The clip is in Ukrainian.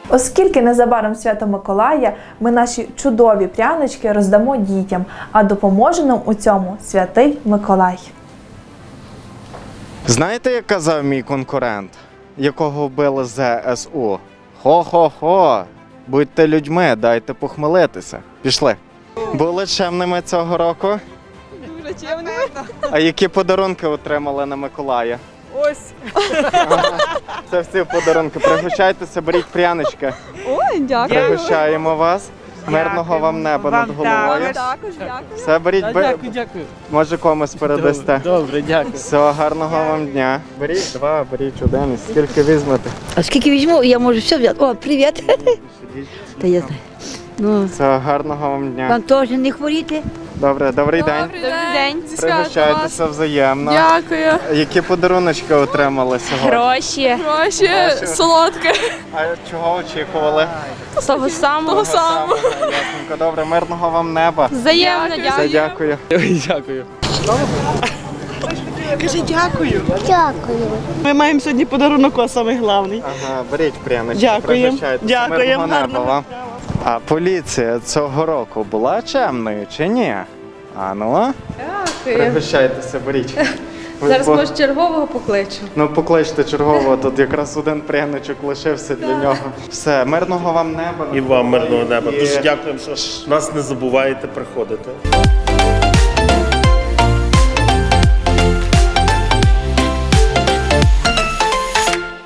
Оскільки незабаром Свято Миколая, ми наші чудові прянички роздамо дітям, а допоможе нам у цьому Святий Миколай. Знаєте, як казав мій конкурент, якого вбили ЗСУ? Хо-хо-хо, будьте людьми, дайте похмелитися. Пішли. Були чемними цього року? Дуже чемними. А які подарунки отримали на Миколая? Ось. Це всі подарунки. Пригощайтеся, беріть прянички. Ой, дякую. Пригощаємо вас. Мирного вам неба над головою. Також дякую. Все, беріть, Дякую. може комусь передасте. Добре, дякую. Все, гарного вам дня. Беріть два, беріть один. Скільки візьмете? А скільки візьму, я можу все взяти. О, привіт. Та я знаю. Ну, Все, гарного вам дня. вам теж не хворіти. Добре, добрий день. Добрий день. Зі святом вас. Пригощайтеся взаємно. Дякую. Які подаруночки отримали сьогодні? Гроші. Гроші, солодке. А чого очікували? Того самого. Ясненько, добре, мирного вам неба. Взаємно, Все, дякую. Дякую. Ми маємо сьогодні подарунок, а самий головний. Ага, беріть прянички, Дякуємо. пригощайтеся. Дякуємо, Мирного неба гарного вам. А поліція цього року була чемною чи ні? А ну? Пригощайтеся, беріть. Зараз, Бо- може, чергового покличу. Ну, покличте чергового, тут якраз один пряничок лишився для нього. Все, мирного вам неба. І вам мирного неба. І- Дуже дякуємо, що нас не забуваєте приходити.